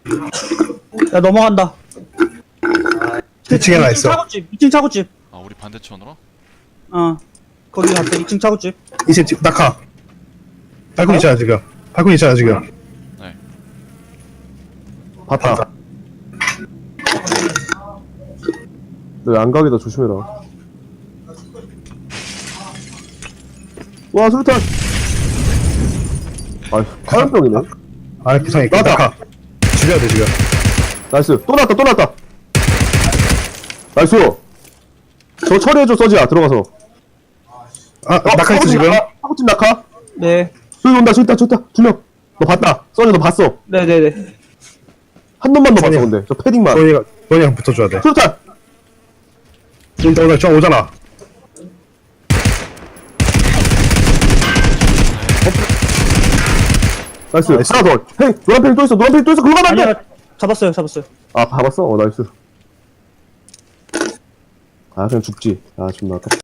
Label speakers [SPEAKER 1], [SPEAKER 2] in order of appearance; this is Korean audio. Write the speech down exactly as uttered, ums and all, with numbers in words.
[SPEAKER 1] 야, 넘어간다.
[SPEAKER 2] 이 층에 하나 있어.
[SPEAKER 1] 차고집, 이 층 차고집.
[SPEAKER 3] 아 우리 반대편으로?
[SPEAKER 1] 어. 거기 갔다, 이 층 차고집.
[SPEAKER 2] 이제 지- 낙하. 발코니 있잖아 지금. 발코니 있잖아 지금.
[SPEAKER 3] 네.
[SPEAKER 4] 봤다. 너 양각이다 조심해라. 와 수류탄. 아 화염병이네.
[SPEAKER 2] 아 구상이
[SPEAKER 4] 나왔다.
[SPEAKER 2] 낙하. 죽여야 돼 지금.
[SPEAKER 4] 나이스. 또 났다 또 났다. 나이스. 저 처리해줘 서지야 들어가서.
[SPEAKER 2] 아 낙하 있어 지금.
[SPEAKER 4] 하구집 낙하.
[SPEAKER 1] 네.
[SPEAKER 4] 저기 온다 저기 있다 저기 있다 두 명. 너 봤다. 서지 너 봤어.
[SPEAKER 1] 네네네.
[SPEAKER 4] 한 놈만 더 봤어
[SPEAKER 2] 서지야.
[SPEAKER 4] 근데 저 패딩만.
[SPEAKER 2] 너희가 너희랑 붙어줘야 돼.
[SPEAKER 4] 수류탄.
[SPEAKER 2] 일단 오늘 저 오잖아.
[SPEAKER 4] 나이스.
[SPEAKER 2] 나이스.
[SPEAKER 4] 하나 더. 헤이 노란 펜이 또 있어 노란 펜이 또 있어 그거 가면 안 돼.
[SPEAKER 1] 아니야, 잡았어요, 잡았어요.
[SPEAKER 4] 아 봐봤어? 어 나이스. 아 그냥 죽지. 아 존나 아깝다.